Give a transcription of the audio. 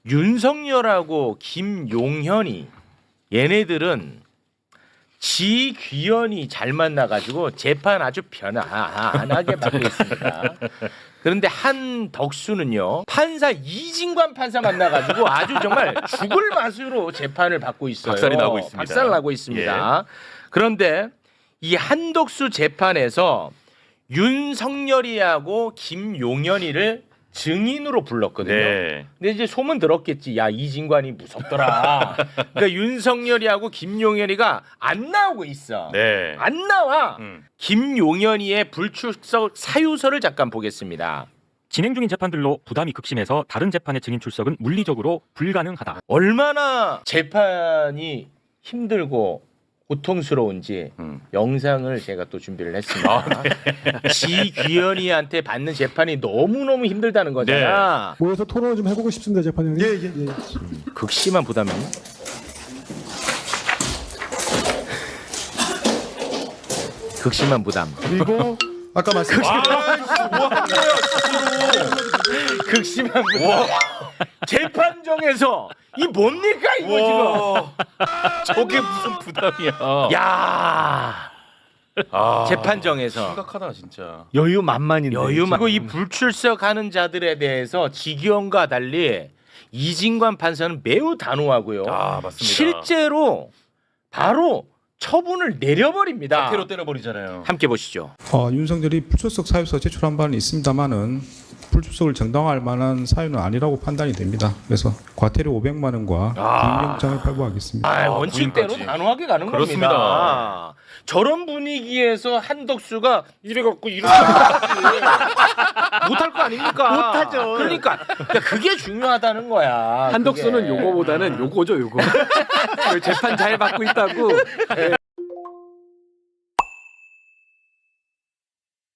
윤석열하고 김용현이 얘네들은 지귀현이 잘 만나가지고 재판 아주 편안하게 받고 있습니다. 그런데 한덕수는요 판사 이진관 판사 만나가지고 아주 정말 죽을 맛으로 재판을 받고 있어요. 박살이 나고 있습니다. 박살 나고 있습니다. 그런데 이 한덕수 재판에서 윤석열이하고 김용현이를 증인으로 불렀거든요. 네. 근데 이제 소문 들었겠지. 야 이진관이 무섭더라. 그러니까 윤석열이하고 김용현이가 안 나오고 있어. 네. 안 나와. 음. 김용현이의 불출석 사유서를 잠깐 보겠습니다. 진행 중인 재판들로 부담이 극심해서 다른 재판의 증인 출석은 물리적으로 불가능하다. 얼마나 재판이 힘들고 고통스러운지 영상을 제가 또 준비를 했습니다. 지귀현이한테 받는 재판이 너무너무 힘들다는 거잖아. 모여서 토론을 좀 해보고 싶습니다, 재판장님. 예. 극심한 부담이. 극심한 부담. 그리고 아까 말씀 극심한 부담. 재판정에서 이 뭡니까 이거 저게 무슨 부담이야. 지금? 야. 재판정에서 심각하다 진짜. 여유만만인데. 그리고 이 불출석하는 자들에 대해서 지기현과 달리 이진관 판사는 매우 단호하고요. 아 맞습니다. 실제로 바로 처분을 내려버립니다. 사태로 때려버리잖아요. 함께 보시죠. 윤석열이 불출석 사유서 제출한 바는 있습니다만은 불출석을 정당화할 만한 사유는 아니라고 판단이 됩니다. 그래서 과태료 500만 원과 구인영장을 발부하겠습니다. 원칙대로 구인까지. 단호하게 가는 그렇습니다. 겁니다. 저런 분위기에서 한덕수가 이래갖고 이렇게 못할 거 아닙니까? 못하죠. 그러니까 그게 중요하다는 거야. 한덕수는 그게. 요거보다는 요거죠, 요거. 재판 잘 받고 있다고